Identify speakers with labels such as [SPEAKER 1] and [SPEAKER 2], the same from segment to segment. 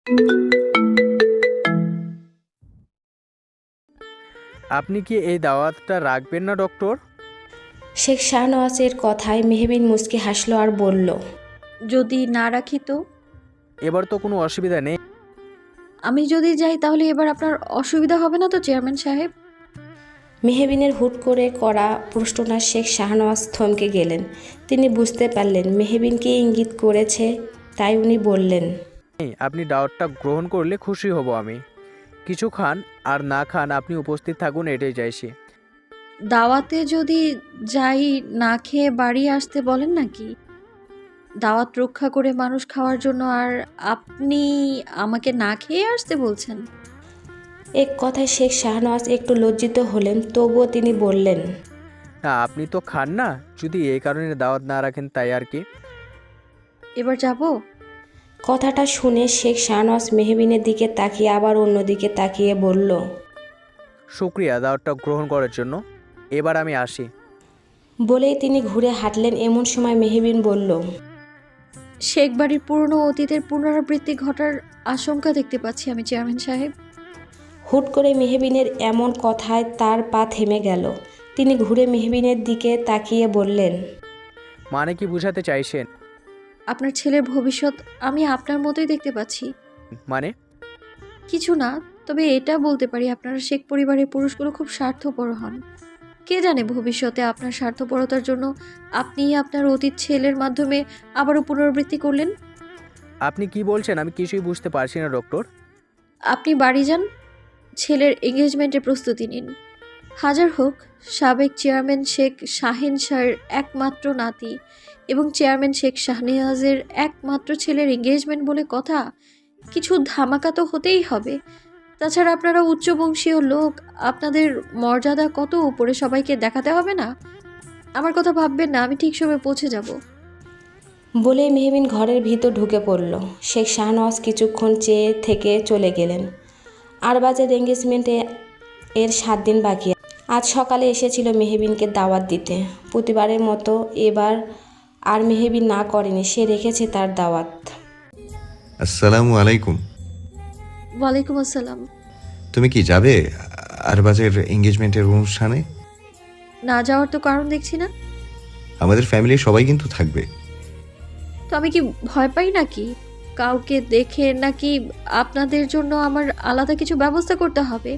[SPEAKER 1] আপনি কি এই দাওয়াতটা রাখবেন না ডক্টর?
[SPEAKER 2] শেখ শাহনওয়াজের কথায় মেহবিন মুচকি হাসল আর বলল,
[SPEAKER 3] যদি না রাখি তো?
[SPEAKER 1] এবার তো কোনো অসুবিধা নেই।
[SPEAKER 3] আমি যদি যাই তাহলে এবার আপনার অসুবিধা হবে না তো চেয়ারম্যান সাহেব?
[SPEAKER 2] মেহবিনের হুট করে করা প্রশ্নটা শেখ শাহনওয়াজ থমকে গেলেন। তিনি বুঝতে পারলেন মেহবিনকে ইঙ্গিত করেছে, তাই উনি বললেন,
[SPEAKER 1] আপনি দাওয়াতটা গ্রহণ করলে খুশি হব আমি। কিছু খান আর না খান, আপনি উপস্থিত থাকুন, এটাই চাইছি।
[SPEAKER 3] দাওয়াতে যদি যাই, না খেয়ে বাড়ি আসতে বলেন নাকি? দাওয়াত রক্ষা করে মানুষ খাওয়ার জন্য, আর আপনি আমাকে না খেয়ে আসতে বলছেন?
[SPEAKER 2] এক কথায় শেখ শাহনওয়াজ একটু লজ্জিত হলেন, তবুও তিনি বললেন,
[SPEAKER 1] না, আপনি তো খান না, যদি এই কারণে দাওয়াত না রাখেন তাই আর কি।
[SPEAKER 3] এবার যাব?
[SPEAKER 2] কথাটা শুনে শেখ শাহনওয়াজ মেহবিনের দিকে তাকিয়ে আবার অন্যদিকে তাকিয়ে বলল,
[SPEAKER 1] শুক্রিয়া দাওয়াতটা গ্রহণ করার জন্য। এবার আমি আসি।
[SPEAKER 2] বলেই তিনি ঘুরে হাঁটলেন। এমন সময় মেহবিন বলল,
[SPEAKER 3] শেখ বাড়ির পুরনো অতীতের পুনরাবৃত্তি ঘটার আশঙ্কা দেখতে পাচ্ছি আমি চেয়ারম্যান সাহেব।
[SPEAKER 2] হুট করে মেহবিনের এমন কথায় তার পা থেমে গেল। তিনি ঘুরে মেহবিনের দিকে তাকিয়ে বললেন,
[SPEAKER 1] মানে কি বোঝাতে চাইছেন?
[SPEAKER 3] আপনার ছেলের ভবিষ্যৎ আমি আপনার মতোই দেখতে পাচ্ছি।
[SPEAKER 1] মানে?
[SPEAKER 3] কিছু না, তবে এটা বলতে পারি আপনারা শেখ পরিবারের পুরুষগুলো খুব স্বার্থপর হন। কে জানে ভবিষ্যতে আপনার স্বার্থপরতার জন্য আপনি আপনার অতীত ছেলের মাধ্যমে আবারও পুনরাবৃত্তি করলেন।
[SPEAKER 1] আপনি কি বলছেন? আমি কিছুই বুঝতে পারছি না ডক্টর।
[SPEAKER 3] আপনি বাড়ি যান, ছেলের এঙ্গেজমেন্টের প্রস্তুতি নিন। হাজার হোক, সাবেক চেয়ারম্যান শেখ শাহিন শাহের একমাত্র নাতি এবং চেয়ারম্যান শেখ শাহনেওয়াজের একমাত্র ছেলের এঙ্গেজমেন্ট বলে কথা, কিছু ধামাকা তো হতেই হবে। তাছাড়া আপনারা উচ্চবংশীয় লোক, আপনাদের মর্যাদা কত উপরে, সবাইকে দেখাতে হবে না? আমার কথা ভাববেন না, আমি ঠিক সময় পৌঁছে যাব।
[SPEAKER 2] বলেই মেহবিন ঘরের ভিতর ঢুকে পড়ল। শেখ শাহনওয়াজ কিছুক্ষণ চেয়ে থেকে চলে গেলেন। আরবাজের এঙ্গেজমেন্টে এর 7 দিন বাকি। আজ সকালে এসেছিল মেহবিনকে দাওয়াত দিতে। প্রতিবারের মতো এবার আর মেহবিন না করেনি, সে রেখেছে তার দাওয়াত।
[SPEAKER 4] আসসালামু আলাইকুম।
[SPEAKER 3] ওয়ালাইকুম আসসালাম।
[SPEAKER 4] তুমি কি যাবে আরবাজের এঙ্গেজমেন্টের অনুষ্ঠানে?
[SPEAKER 3] না যাওয়ার তো কারণ দেখছি না।
[SPEAKER 4] আমাদের ফ্যামিলির সবাই কিন্তু থাকবে।
[SPEAKER 3] তো আমি কি ভয় পাই নাকি কাউকে দেখে, নাকি আপনাদের জন্য আমার আলাদা কিছু ব্যবস্থা করতে হবে?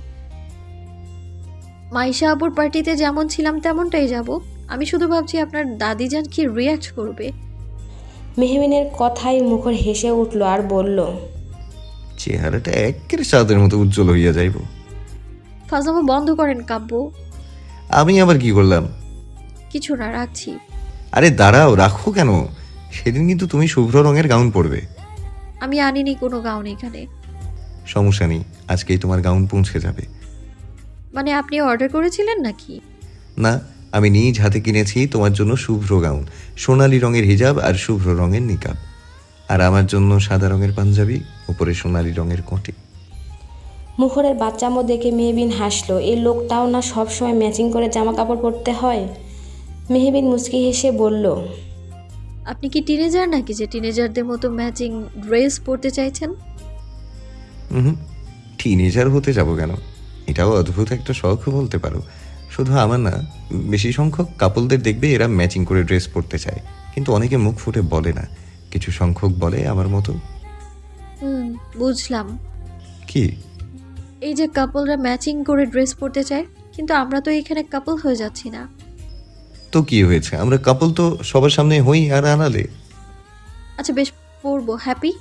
[SPEAKER 3] মাইশা আপুর পার্টিতে যেমন ছিলাম তেমনটাই যাব। আমি শুধু ভাবছি আপনার দাদিজান কি রিয়াক্ট করবে।
[SPEAKER 2] মেহবিনের কথায় মুখর হেসে উঠল আর বলল,
[SPEAKER 4] চেহারাটা একেবারে চাঁদের মতো উজ্জ্বল হইয়া যাইব।
[SPEAKER 3] ফাজলামো বন্ধ করেন কাব্য।
[SPEAKER 4] আমি আবার কি করলাম?
[SPEAKER 3] কিছু না, রাখছি।
[SPEAKER 4] আরে দাঁড়াও, রাখো কেন? সেদিন কিন্তু তুমি শুভ্র রঙের গাউন পরবে।
[SPEAKER 3] আমি আনিনি কোনো গাউন এখানে।
[SPEAKER 4] সমস্যা নেই, আজকেই তোমার গাউন পৌঁছে যাবে।
[SPEAKER 3] মানে আপনি অর্ডার করেছিলেন নাকি?
[SPEAKER 4] না, আমি নিজ হাতে কিনেছি তোমার জন্য শুভ্র গাউন, সোনালী রঙের হিজাব আর শুভ্র রঙের নিকাব, আর আমার জন্য সাদা রঙের পাঞ্জাবি, উপরে সোনালী রঙের কোটি।
[SPEAKER 2] মুখরের বাচ্চামো দেখে মেহবিন হাসলো। এই লোকটাও না সবসময় ম্যাচিং করে জামা কাপড় পরতে হয়। মেহবিন মুচকি হেসে বলল,
[SPEAKER 3] আপনি কি টিনেজার নাকি যে টিনেজারদের মতো ম্যাচিং ড্রেস পরতে চাইছেন?
[SPEAKER 4] হুম, টিনেজার হতে যাব কেন? এটাও অদ্ভুত একটা শখ বলতে পারো। শুধু আমার না, বেশি সংখ্যক কাপলদের দেখবে এরা ম্যাচিং করে ড্রেস পরতে চায়, কিন্তু অনেকে মুখ ফুটে বলে না। কিছু সংখ্যক বলে আমার মতো।
[SPEAKER 3] বুঝলাম।
[SPEAKER 4] কি?
[SPEAKER 3] এই যে কাপলরা ম্যাচিং করে ড্রেস পরতে চায়, কিন্তু আমরা তো এখানে কাপল হয়ে যাচ্ছি না।
[SPEAKER 4] তো কি হয়েছে, আমরা কাপল তো সবার সামনে হই আর আনালে।
[SPEAKER 3] আচ্ছা বেশ, পরবো। হ্যাপি?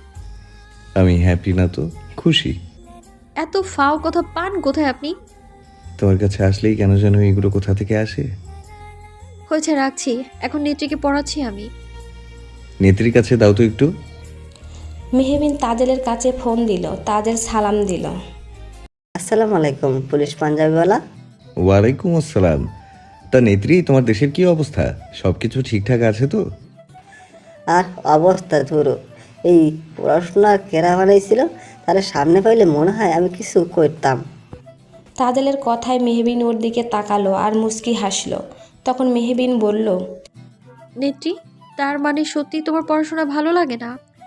[SPEAKER 4] আমি হ্যাপি না তো খুশি।
[SPEAKER 3] এত ফাও কথা পান কোথায় আপনি?
[SPEAKER 4] তোমার কাছে আসলেই কেন যেন এগুলো কোথা থেকে আসে।
[SPEAKER 3] হয়েছে, রাখছি। এখন নেত্রীকে পড়াচ্ছি আমি।
[SPEAKER 4] নেত্রীর কাছে দাও তো একটু।
[SPEAKER 2] মেহবিন তাজেলের কাছে ফোন দিল। তাজেল সালাম দিল।
[SPEAKER 5] আসসালামু আলাইকুম পুলিশ পাঞ্জাবিওয়ালা।
[SPEAKER 4] ওয়ালাইকুম আসসালাম। তা নেত্রী, তোমার দেশের কি অবস্থা? সব কিছু ঠিকঠাক আছে তো?
[SPEAKER 5] আর অবস্থা ধরো, এই পড়াশোনা কেরা বানাইছিল, তাহলে সামনে পাইলে মনে হয় আমি কিছু করতাম।
[SPEAKER 2] তাজেলের কথায় মেহবিন ওর দিকে তাকালো আর মুচকি হাসলো। তখন মেহবিন বলল,
[SPEAKER 3] নেত্রী, তার মানে সত্যি তোমার পড়াশোনা ভালো লাগে না?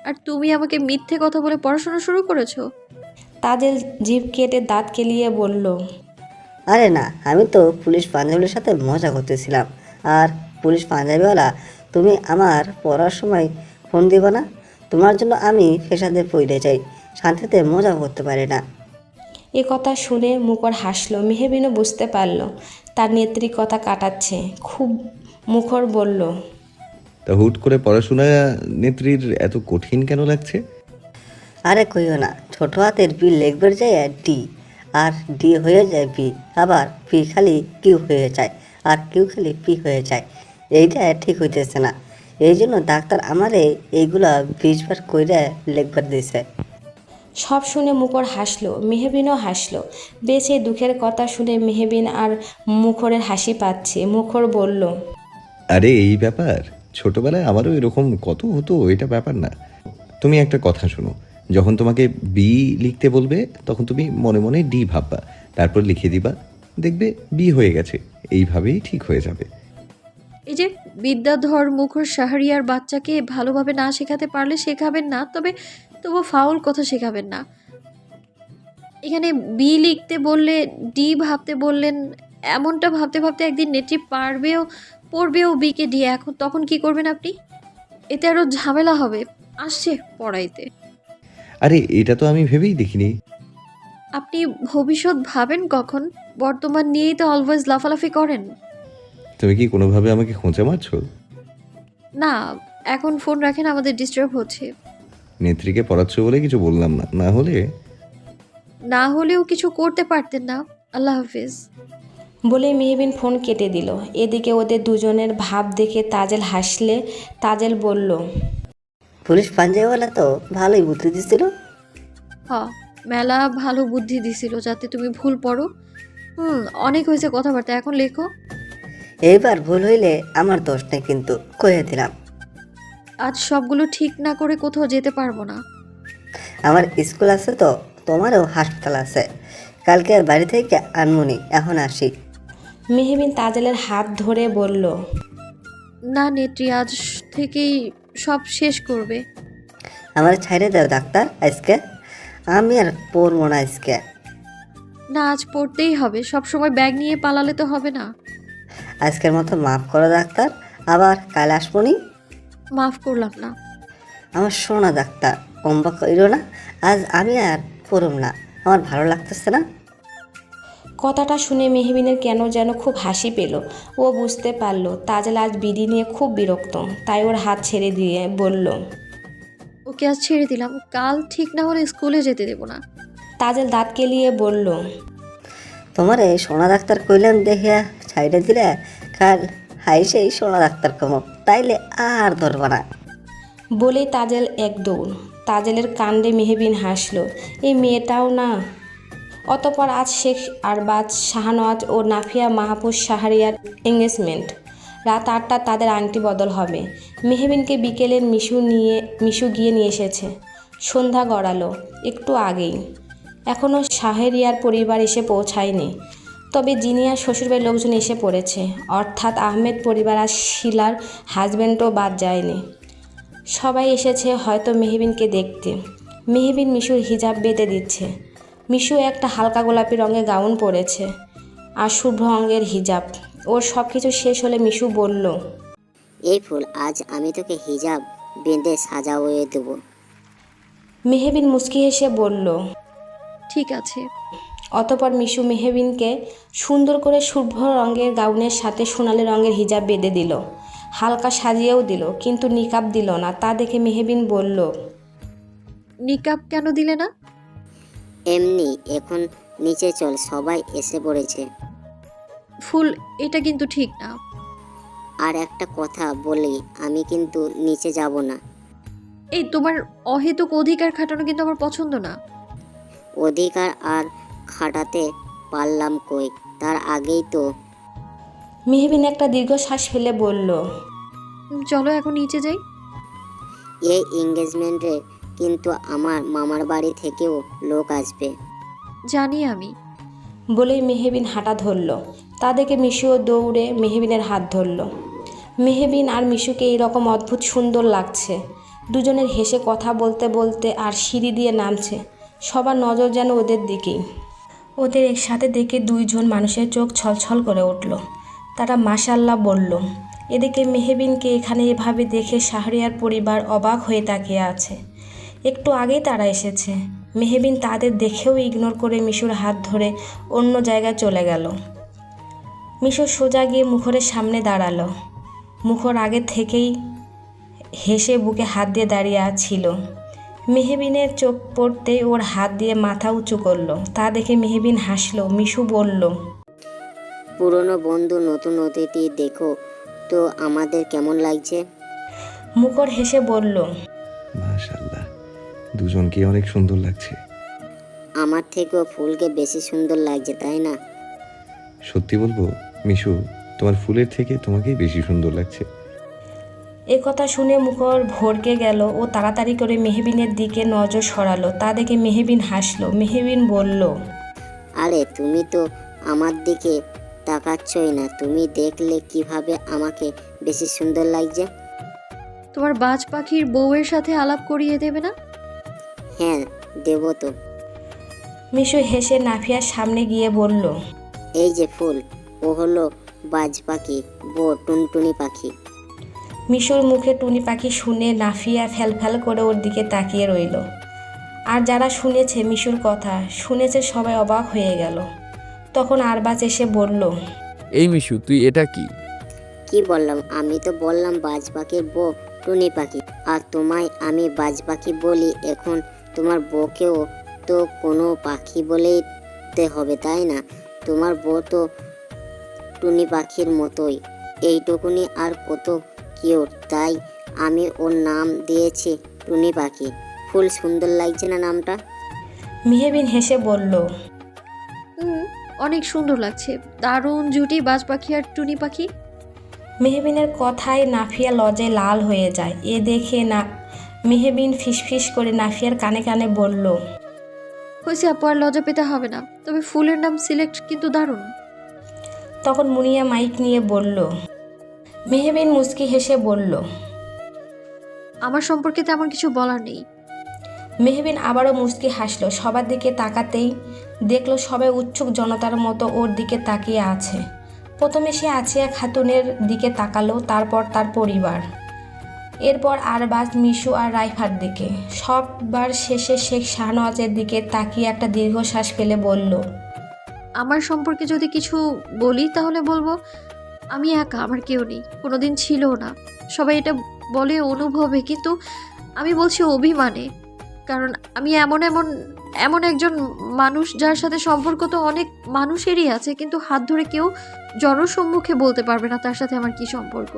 [SPEAKER 3] আর তুমি আমাকে মিথ্যে কথা বলে পড়াশোনা শুরু করেছো?
[SPEAKER 2] তাজেল জিভ কেটে দাঁত কেলিয়ে বলল,
[SPEAKER 5] আরে না, আমি তো পুলিশ পাঞ্জাবির সাথে মজা করতেছিলাম। আর পুলিশ পাঞ্জাবিওয়ালা, তুমি আমার পড়ার সময় ফোন দিবা না? তোমার জন্য আমি ফেসাদে পড়ে যাই, শান্তিতে মজা করতে পারি না।
[SPEAKER 2] এ কথা শুনে মুখর হাসলো। মেহবিনও বুঝতে পারল তার নেত্রী কথা কাটাচ্ছে। খুব মুখর বলল,
[SPEAKER 4] তা হুট করে পড়াশোনা নেত্রীর এত কঠিন কেন লাগছে?
[SPEAKER 5] আরে কইও না, ছোট হাতের বি লিখবে যায় ডি, আর ডি হয়ে যায় বি, আবার পি খালি কিউ হয়ে যায়, আর কিউ খালি পি হয়ে যায়। এইটা ঠিক হইতেছে না, এই জন্য ডাক্তার আমারে এইগুলা 20 বার কইরা লিখবার দিছে।
[SPEAKER 2] সব শুনে মুখর হাসলো। মেহবিনও হাসলো। বেশ এই দুঃখের কথা শুনে মেহবিন আর মুখরের হাসি পাচ্ছে। মুখর বলল,
[SPEAKER 4] আরে এই ব্যাপার, ছোটবেলায় আমারও এরকম কত হতো, এটা ব্যাপার না। তুমি একটা কথা শোনো, যখন তোমাকে বি লিখতে বলবে তখন তুমি মনে মনে ডি ভাববা, তারপর লিখে দিবা, দেখবে বি হয়ে গেছে। এইভাবেই ঠিক হয়ে যাবে।
[SPEAKER 3] এই যে বিদ্যাধর মুখর শাহরিয়ার বাচ্চাকে ভালোভাবে না শেখাতে পারলে শেখাবেন না, তবু ফাউল কথা শেখাবেন না। এখানে বি লিখতে বললে ডি ভাবতে বললেন, এমনটা ভাবতে ভাবতে একদিন নেত্রী পড়বেও বিকে ডি। এখন তখন কি করবেন আপনি? এতে আরও ঝামেলা হবে। আসছে পড়াইতে।
[SPEAKER 4] আরে এটা তো আমি ভেবেই দেখিনি।
[SPEAKER 3] আপনি ভবিষ্যৎ ভাবেন কখন? বর্তমান নিয়েই তো অলওয়েজ লাফালাফি করেন।
[SPEAKER 4] তুমি কি কোনোভাবে আমাকে খোঁচা মারছো?
[SPEAKER 3] না, এখন ফোন রাখেন, আমাদের ডিস্টার্ব হচ্ছে।
[SPEAKER 4] নেত্রীকে পড়াচ্ছ বলে কিছু বললাম না, না
[SPEAKER 3] হলেও কিছু করতে পারতেন না। আল্লাহ হাফিজ।
[SPEAKER 2] বলে মেহবিন ফোন কেটে দিল। এদিকে ওদের দুজনের ভাব দেখে তাজেল হাসলে তাজেল বলল,
[SPEAKER 5] পুলিশ পাঞ্জাবিওয়ালা তো ভালোই বুদ্ধি দিছিল।
[SPEAKER 3] মেলা ভালো বুদ্ধি দিছিল যাতে তুমি ভুল পড়ো। অনেক হয়েছে কথাবার্তা, এখন লেখো।
[SPEAKER 5] এইবার ভুল হইলে আমার দোষ নেই, কিন্তু কয়ে দিলাম।
[SPEAKER 3] আজ সবগুলো ঠিক না করে কোথাও যেতে পারবো না।
[SPEAKER 5] আমার স্কুল আছে তো, তোমারও হাসপাতাল আছে, কালকে আর বাড়ি থেকে আনমনি, এখন আসি।
[SPEAKER 2] মেহবিন তাজেলের হাত ধরে বলল,
[SPEAKER 3] না নেত্রী, আজ থেকেই সব শেষ করবে।
[SPEAKER 5] আমার ছাইড়ে দাও ডাক্তার, আজকে আমি আর পড়বো না আজকে।
[SPEAKER 3] না, আজ পড়তেই হবে। সব সময় ব্যাগ নিয়ে পালালে তো হবে না।
[SPEAKER 5] আজকের মতো মাফ করো ডাক্তার, আবার কাল আসবনি।
[SPEAKER 3] মাফ করলাম না।
[SPEAKER 5] আমার শোনা ডাক্তার, অম্বা কইরো না, আজ আমি আর পড়ব না, আমার ভালো লাগতেছে না।
[SPEAKER 2] কথাটা শুনে মেহবিনের কেন যেন খুব হাসি পেল। ও বুঝতে পারল তাজেল আজ বিডি নিয়ে খুব বিরক্ত। তাই ওর হাত ছেড়ে দিয়ে বলল,
[SPEAKER 3] ওকে আজ ছেড়ে দিলাম, কাল ঠিক না হলে স্কুলে যেতে দেবো না।
[SPEAKER 2] তাজেল দাঁত কেলিয়ে বলল,
[SPEAKER 5] তোমার এই সোনা ডাক্তার কইলাম দেখিয়া ছাইড়ে দিলে, কাল হাই সেই সোনা ডাক্তার কমো, তাইলে আর ধরবা না।
[SPEAKER 2] বলেই তাজেল এক দৌড়। তাজেলের কাণ্ডে মেহবিন হাসল। এই মেয়েটাও না। অতপর আজ শেখ আরবাজ, শাহনওয়াজ ও নাফিয়া মাহফুজ শাহরিয়ার এঙ্গেজমেন্ট। রাত 8টা তাদের আংটি বদল হবে। মেহবিনকে বিকেলের মিশু গিয়ে নিয়ে এসেছে। সন্ধ্যা গড়ালো একটু আগেই। এখনও শাহরিয়ার পরিবার এসে পৌঁছায়নি। তবে জিনিয়ার শ্বশুরবাড়ির লোকজন এসে পড়েছে, অর্থাৎ আহমেদ পরিবার আর শিলার হাজব্যান্ডও বাদ যায়নি। সবাই এসেছে হয়তো মেহবিনকে দেখতে। মেহবিন মিশুর হিজাব বেঁধে দিচ্ছে। মিশু একটা হালকা গোলাপি রঙের গাউন পরেছে আর শুভ্র রঙের হিজাব। ওর সব কিছু শেষ হলে মিশু বলল,
[SPEAKER 6] এই ফুল, আজ আমি তোকে হিজাব বেঁধে সাজাবয়ে দেবো।
[SPEAKER 2] মেহবিন মুচকি হেসে বলল,
[SPEAKER 3] ঠিক আছে।
[SPEAKER 2] অতপর মিশু মেহবিনকে সুন্দর করে শুভ্র রঙের গাউনের সাথে সোনালি রঙের হিজাব বেঁধে দিল। হালকা সাজিয়েও দিল, কিন্তু নিকাব দিল না। তা দেখে মেহবিন বলল,
[SPEAKER 3] নিকাব কেন দিলে না?
[SPEAKER 6] এমনি, এখন নিচে চল, সবাই এসে পড়েছে।
[SPEAKER 3] ফুল, এটা কিন্তু ঠিক না।
[SPEAKER 6] আর একটা কথা বলি, আমি কিন্তু নিচে যাব না।
[SPEAKER 3] এই তোমার অহেতুক অধিকার খাটানো কিন্তু আমার পছন্দ না।
[SPEAKER 6] অধিকার আর খাটাতে পারলাম কই, তার আগেই তো।
[SPEAKER 2] মেহবিন একটা দীর্ঘশ্বাস ফেলে বলল,
[SPEAKER 3] চলো এখন নিচে যাই।
[SPEAKER 6] এই এঙ্গেজমেন্টে কিন্তু আমার মামার বাড়ি থেকেও লোক আসবে।
[SPEAKER 3] জানি আমি।
[SPEAKER 2] বলেই মেহবিন হাঁটা ধরল। তা দেখে মিশুও দৌড়ে মেহবিনের হাত ধরল। মেহবিন আর মিশুকে এইরকম অদ্ভুত সুন্দর লাগছে। দুজনের হেসে কথা বলতে বলতে আর সিঁড়ি দিয়ে নামছে। সবার নজর যেন ওদের দিকেই। ওদের একসাথে দেখে দুইজন মানুষের চোখ ছলছল করে উঠল। তারা মাশাল্লাহ বলল। এদিকে মেহবিনকে এখানে এভাবে দেখে শাহরিয়ার পরিবার অবাক হয়ে তাকিয়ে আছে। একটু আগেই তারা এসেছে। মেহবিন তাদের দেখেও ইগনোর করে মিশুর হাত ধরে অন্য জায়গায় চলে গেল। মিশু সোজা গিয়ে মুখরের সামনে দাঁড়ালো। মুখর আগে থেকেই হেসে বুকে হাত দিয়ে দাঁড়িয়ে ছিল। মেহবিনের চোখ পড়তেই ওর হাত দিয়ে মাথা উঁচু করলো। তা দেখে মেহবিন হাসলো। মিশু বলল,
[SPEAKER 6] পুরনো বন্ধু নতুন অতিথি দেখো তো আমাদের কেমন লাগছে?
[SPEAKER 2] মুখর হেসে বলল,
[SPEAKER 4] মাশাআল্লাহ, দুজনকে অনেক সুন্দর লাগছে।
[SPEAKER 6] আমার থেকেও ফুলকে বেশি সুন্দর লাগছে, তাই না?
[SPEAKER 4] সত্যি বলবো মিশু, তোমার ফুলের থেকে তোমাকেই বেশি সুন্দর লাগছে।
[SPEAKER 2] এ কথা শুনে মুখর ভড়কে গেল। ও তাড়াতাড়ি করে মেহবিনের দিকে নজর সরালো। তা দেখে মেহবিন হাসলো। মেহবিন বলল,
[SPEAKER 6] আরে তুমি তো আমার দিকে তাকাচ্ছই না, তুমি দেখলে কিভাবে আমাকে বেশি সুন্দর লাগছে?
[SPEAKER 3] তোমার বাজ পাখির বউয়ের সাথে আলাপ করিয়ে দেবে না?
[SPEAKER 6] হ্যাঁ দেবো তো।
[SPEAKER 2] মিশু হেসে নাফিয়ার সামনে গিয়ে বলল,
[SPEAKER 6] এই যে ফুল, ও হলো বাজ পাখি, বউ টুনটুনি পাখি।
[SPEAKER 2] মিশুর মুখে টুনি পাখি শুনে নাফিয়া ফ্যালফ্যাল করে ওর দিকে তাকিয়ে রইল। আর যারা শুনেছে মিশুর কথা শুনেছে সবাই অবাক হয়ে গেল। তখন আরবাজ এসে বলল,
[SPEAKER 7] এই মিশু, তুই এটা কি?
[SPEAKER 6] কি বললাম? আমি তো বললাম বাজ পাখির বউ টুনি পাখি, আর তোমায় আমি বাজ পাখি বলি। এখন তোমার বউকেও তো কোনো পাখি বলেই হবে, তাই না? তোমার বউ তো টুনি পাখির মতোই, এইটুকুনি আর কত কিউট, তাই আমি ওর নাম দিয়েছি টুনি পাখি। ফুল সুন্দর লাগছে না নামটা?
[SPEAKER 2] মেহবিন হেসে বলল,
[SPEAKER 3] অনেক সুন্দর লাগছে। দারুণ জুটি বাজ পাখি আর টুনি পাখি।
[SPEAKER 2] মেহবিনের কথায় নাফিয়া লজ্জায় লাল হয়ে যায়। এ দেখে না মেহবিন ফিসফিস করে নাফিয়ার কানে কানে বলল,
[SPEAKER 3] হয়েছে আপু, আর লজ্জা পেতে হবে না। তবে ফুলের নাম সিলেক্ট কিন্তু দারুণ।
[SPEAKER 2] তখন মুনিয়া মাইক নিয়ে বলল। মেহবিন মুচকি হেসে বলল,
[SPEAKER 3] আমার সম্পর্কে তেমন কিছু বলার নেই।
[SPEAKER 2] মেহবিন আবারও মুচকি হাসলো। সবার দিকে তাকাতেই দেখলো সবাই উৎসুক জনতার মতো ওর দিকে তাকিয়ে আছে। প্রথমে সে আছিয়া খাতুনের দিকে তাকালো, তারপর তার পরিবার, এরপর আরবাজ, মিশু আর রাইফার দিকে। সববার শেষে শেখ শাহনওয়াজের দিকে তাকিয়ে একটা দীর্ঘশ্বাস ফেলে বলল,
[SPEAKER 3] আমার সম্পর্কে যদি কিছু বলি তাহলে বলবো আমি একা, আমার কেউ নেই, কোনোদিন ছিলও না। সবাই এটা বলে অনুভবে, কিন্তু আমি বলছি অভিমানে। কারণ আমি এমন একজন মানুষ যার সাথে সম্পর্ক তো অনেক মানুষেরই আছে, কিন্তু হাত ধরে কেউ জনসম্মুখে বলতে পারবে না তার সাথে আমার কি সম্পর্ক।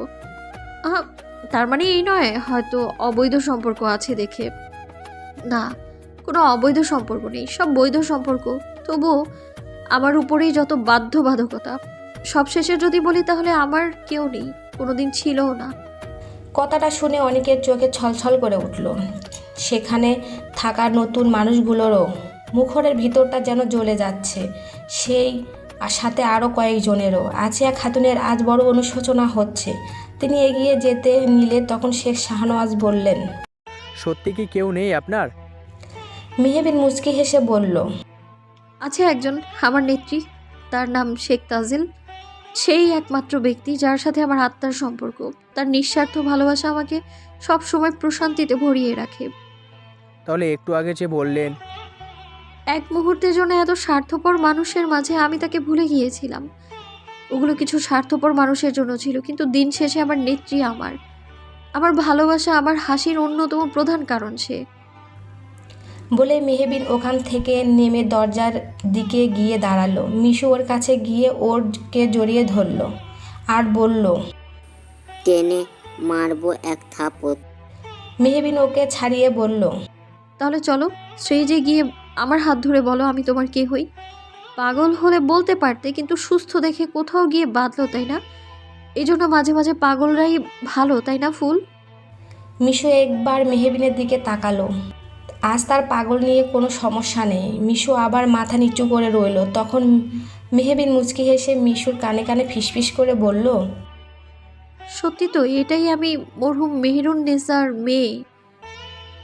[SPEAKER 3] তার মানে এই নয় হয়তো অবৈধ সম্পর্ক আছে দেখে, না, কোনো অবৈধ সম্পর্ক নেই, সব বৈধ সম্পর্ক। তবুও আমার উপরেই যত বাধ্যবাধকতা। সবশেষে যদি বলি তাহলে আমার কেউ নেই, কোনোদিন ছিলও না।
[SPEAKER 2] কথাটা শুনে অনেকের চোখে ছলছল করে উঠল। সেখানে থাকা নতুন মানুষগুলোরও মুখরের ভিতরটা যেন জ্বলে যাচ্ছে। সেই আর সাথে আরও কয়েকজনেরও। আজিয়া খাতুনের আজ বড় অনুশোচনা হচ্ছে। তিনি এগিয়ে যেতে নিলে তখন শেখ শাহনওয়াজ বললেন,
[SPEAKER 1] সত্যি কি কেউ নেই আপনার?
[SPEAKER 2] মেহবিন মুচকি হেসে বলল,
[SPEAKER 3] আছে একজন, আমার নেত্রী, তার নাম শেখ তাজিল। সেই একমাত্র ব্যক্তি যার সাথে আমার আত্মার সম্পর্ক। তার নিঃস্বার্থ ভালোবাসা আমাকে সব সময় প্রশান্তিতে ভরিয়ে রাখে।
[SPEAKER 1] তাহলে একটু আগে যে বললেন।
[SPEAKER 3] এক মুহূর্তের জন্য এত স্বার্থপর মানুষের মাঝে আমি তাকে ভুলে গিয়েছিলাম। ওগুলো কিছু স্বার্থপর মানুষের জন্য ছিল, কিন্তু দিন শেষে আমার নেত্রী আমার ভালোবাসা, আমার হাসির অন্যতম প্রধান কারণ সে।
[SPEAKER 2] বলে মেহবিন ওখান থেকে নেমে দরজার দিকে গিয়ে দাঁড়ালো। মিশু ওর কাছে গিয়ে ওরকে জড়িয়ে ধরল আর বলল,
[SPEAKER 6] টেনে মারবো এক থাপড়।
[SPEAKER 2] মেহবিন ওকে ছাড়িয়ে বলল,
[SPEAKER 3] তাহলে চলো স্টেজে গিয়ে আমার হাত ধরে বলো আমি তোমার কে হই। পাগল হলে বলতে পারতে, কিন্তু সুস্থ দেখে কোথাও গিয়ে বাঁধলো, তাই না? এই জন্য মাঝে মাঝে পাগলরাই ভালো, তাই না ফুল?
[SPEAKER 2] মিশু একবার মেহবিনের দিকে তাকালো। আজ তার পাগল নিয়ে কোনো সমস্যা নেই। মিশু আবার মাথা নিচু করে রইল। তখন মেহবিন মুচকি হেসে মিশুর কানে কানে ফিসফিস করে বলল,
[SPEAKER 3] সত্যি তো, এটাই আমি মরহুম মেহেরুন নেসার মেয়ে।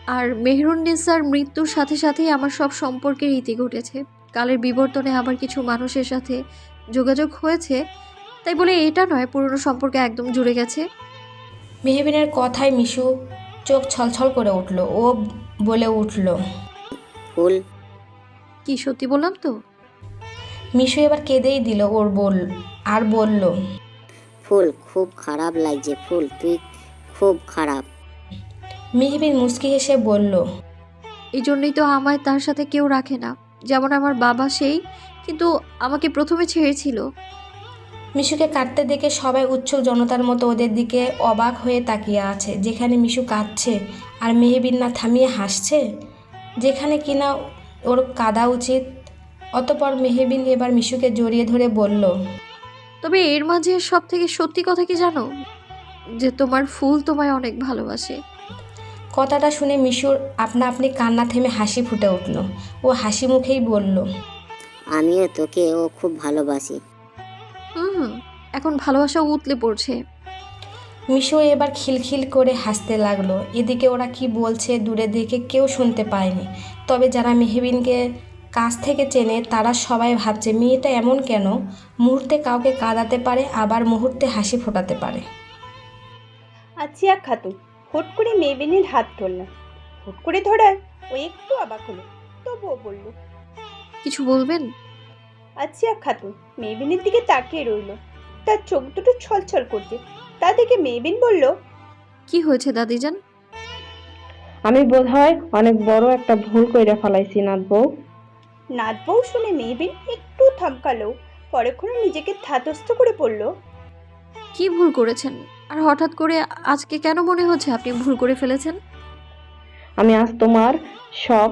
[SPEAKER 3] আর মেহরুন্নেসার মৃত্যুর সাথে সাথেই আমার সব সম্পর্কের ইতি ঘটেছে। কালের বিবর্তনে আবার কিছু মানুষের সাথে যোগাযোগ হয়েছে, তাই বলে এটা নয় পুরনো সম্পর্ক একদম জুড়ে গেছে।
[SPEAKER 2] মেহবিনের কথায় মিশু চোখ ছলছল করে উঠল। ও বলে উঠল,
[SPEAKER 6] ফুল।
[SPEAKER 3] কি সত্যি বললাম তো?
[SPEAKER 2] মিশু এবার কেঁদেই দিল আর বলল,
[SPEAKER 6] ফুল, খুব খারাপ লাগছে ফুল, তুই খুব খারাপ।
[SPEAKER 2] মেহবিন মুচকি হেসে বলল,
[SPEAKER 3] এই জন্যই তো আমায় তার সাথে কেউ রাখে না। যেমন আমার বাবা, সেই কিন্তু আমাকে প্রথমে ছেড়েছিল।
[SPEAKER 2] মিশুকে কাঁদতে দেখে সবাই উৎসুক জনতার মতো ওদের দিকে অবাক হয়ে তাকিয়ে আছে। যেখানে মিশু কাঁদছে আর মেহবিন না থামিয়ে হাসছে, যেখানে কিনা ওর কাঁদা উচিত। অতপর মেহবিন এবার মিশুকে জড়িয়ে ধরে বলল,
[SPEAKER 3] তবে এর মাঝে সব থেকে সত্যি কথা কি জানো? যে তোমার ফুল তোমায় অনেক ভালোবাসে।
[SPEAKER 2] কথাটা শুনে মিশুর আপনা আপনি কান্না থেমে হাসি ফুটে উঠল। ও হাসি মুখেই বলল,
[SPEAKER 6] আমিও তোকে ও খুব ভালোবাসি।
[SPEAKER 3] হুম, এখন ভালোবাসা উতলে পড়ছে।
[SPEAKER 2] মিশু এবার খিলখিল করে হাসতে লাগলো। এদিকে ওরা কি বলছে দূরে দেখে কেউ শুনতে পায়নি। তবে যারা মেহবিনকে কাছ থেকে চেনে তারা সবাই ভাবছে মেয়েটা এমন কেন, মুহূর্তে কাউকে কাঁদাতে পারে আবার মুহূর্তে হাসি ফোটাতে পারে।
[SPEAKER 8] আচিয়া খাতুন হুট করে মেবিনের হাত ধরল। হুট করে ধরায় ও একটু অবাক হলো, তবুও বলল,
[SPEAKER 3] কিছু বলবেন?
[SPEAKER 8] আচিয়া খাতুন মেবিনের দিকে তাকিয়ে রইল। তার চোখ দুটো ছলছল করছে। তা দেখে মেবিন বলল,
[SPEAKER 3] কি হয়েছে দাদিজান?
[SPEAKER 9] আমি বোধহয় অনেক বড় একটা ভুল কইরা ফেলাইছি নাথ বউ।
[SPEAKER 8] নাথ বউ শুনে মেবিন একটু থমকালো, পরক্ষণে নিজেকে ধাতস্থ করে পড়ল,
[SPEAKER 3] কি ভুল করেছেন? আর হঠাৎ করে আজকে কেন মনে হচ্ছে আপনি ভুল করে ফেলেছেন?
[SPEAKER 9] আমি আজ তোমার সব।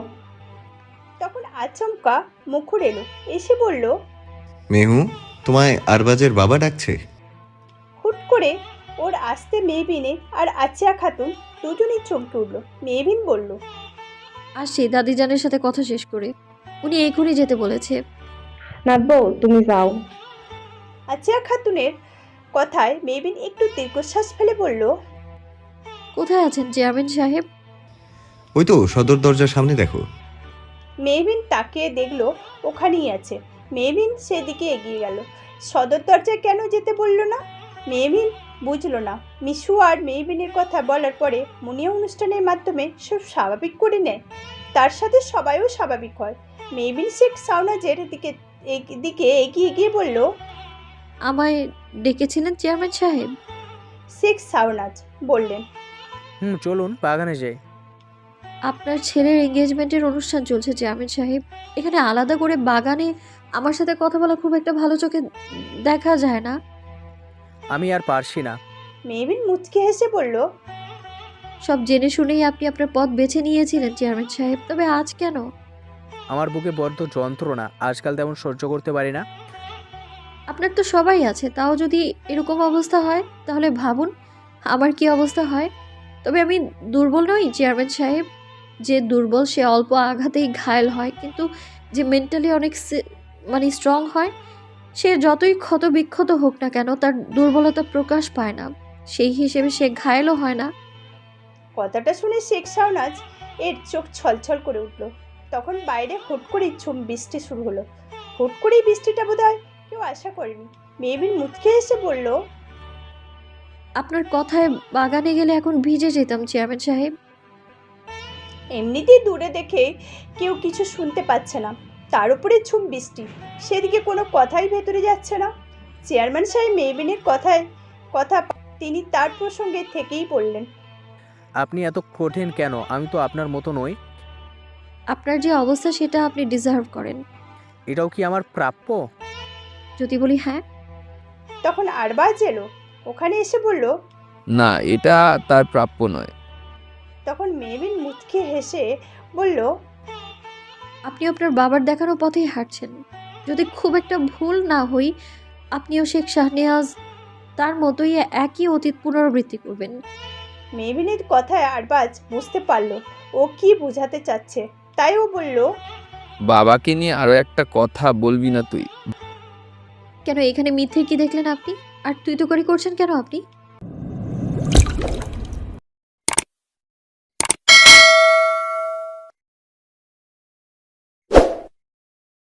[SPEAKER 8] তখন আচমকা মুখর এলো, এসে বলল,
[SPEAKER 4] মেহু, তোমায় আরবাজের বাবা ডাকছে।
[SPEAKER 8] হুট করে ওর আসতে মেবিনে আর আচিয়া খাতুন দুজনেই চমকে উঠল। মেবিন বলল,
[SPEAKER 3] আসছি দাদিজানের সাথে কথা শেষ করে। উনি এখনই যেতে বলেছে।
[SPEAKER 9] নাথ বউ তুমি যাও।
[SPEAKER 8] আচিয়া খাতুনের কথায় মেবিন একটু দীর্ঘশ্বাস ফেলে বলল,
[SPEAKER 3] কোথায় আছেন চেয়ারম্যান সাহেব?
[SPEAKER 4] ওই তো সদর দরজার সামনে দেখো।
[SPEAKER 8] মেবিন তাকিয়ে দেখলো ওখানেই আছে। মেবিন সেদিকে এগিয়ে গেল। সদর দরজায় কেন যেতে বলল না? মেবিন বুঝলো না। মিশু আর মেবিনের কথা বলার পরে মুনিয়া অনুষ্ঠানের মাধ্যমে সব স্বাভাবিক করে নেয়, তার সাথে সবাইও স্বাভাবিক হয়। মেবিন শেখ সাউনাজের দিকে এগিয়ে গিয়ে বলল,
[SPEAKER 3] আমায় ডেকেছিলেন চেয়ারম্যান সাহেব?
[SPEAKER 8] শেখ সাউনাজ বললেন,
[SPEAKER 1] চলুন বাগানে যাই।
[SPEAKER 3] আপনার ছেলের এঙ্গেজমেন্টের অনুষ্ঠান চলছে চেয়ারম্যান সাহেব। এখানে আলাদা করে বাগানে আমার সাথে কথা বলা খুব একটা ভালো চোখে দেখা যায় না।
[SPEAKER 1] আমি আর পারছি না।
[SPEAKER 8] মেবিন মুচকে হেসে বলল,
[SPEAKER 3] সব জেনে শুনেই আপনি আপনার পথ বেছে নিয়েছিলেন চেয়ারম্যান সাহেব, তবে আজ কেন?
[SPEAKER 1] আমার বুকে বড্ড যন্ত্রণা, আজকাল তেমন সহ্য করতে পারি না।
[SPEAKER 3] আপনার তো সবাই আছে, তাও যদি এরকম অবস্থা হয় তাহলে ভাবুন আমার কি অবস্থা হয়। তবে আমি দুর্বল নই চেয়ারম্যান সাহেব। যে দুর্বল সে অল্প আঘাতেই ঘায়েল হয়, কিন্তু যে মেন্টালি অনেক স্ট্রং হয় সে যতই ক্ষত বিক্ষত হোক না কেন তার দুর্বলতা প্রকাশ পায় না, সেই হিসেবে সে ঘায়েলও হয় না।
[SPEAKER 8] কথাটা শুনে শেখ শাহনাজ এর চোখ ছলছল করে উঠল। তখন বাইরে হুট করেই ঝুম বৃষ্টি শুরু হলো। হুট করেই বৃষ্টিটা বোধহয় কেউ আশা করেনি। মেবিন মুচকে এসে বলল,
[SPEAKER 3] আপনার কথায় বাগানে গেলে এখন ভিজে যেতাম চেয়ারম্যান সাহেব।
[SPEAKER 8] এমনিতেই দূরে দেখে কেউ কিছু শুনতে পাচ্ছে না, তার উপরে ঝুম বৃষ্টি, সেদিকে কোনো কথাই ভেতরে যাচ্ছে না। চেয়ারম্যান সাহেব মেবিনের কথা তিনি তার প্রসঙ্গে থেকেই পড়লেন।
[SPEAKER 1] আপনি এত কঠিন কেন? আমি তো আপনার মতো নই।
[SPEAKER 3] আপনার যে অবস্থা সেটা আপনি ডিজার্ভ করেন।
[SPEAKER 1] এটাও কি আমার প্রাপ্য?
[SPEAKER 3] যদি বলি হ্যাঁ।
[SPEAKER 8] তখন আরবাজ এলো, ওখানে এসে বলল,
[SPEAKER 7] না, এটা তার প্রাপ্য নয়।
[SPEAKER 8] তখন মেবিন মুচকে হেসে বলল,
[SPEAKER 3] আপনি আপনার বাবার দেখানো পথেই হাঁটছেন। যদি খুব একটা ভুল না হই আপনিও শেখ শাহনেওয়াজ তার মতোই একই অতীত পুনরাবৃত্তি করবেন।
[SPEAKER 8] মেবিনের কথায় আরবাজ বুঝতে পারলো ও কি বোঝাতে চাচ্ছে, তাই ও বলল,
[SPEAKER 7] বাবাকে নিয়ে আরো একটা কথা বলবি না তুই?
[SPEAKER 3] কেন, এখানে মিথ্যে কি দেখলেন আপনি? আর তুই তো করে করছেন কেন আপনি?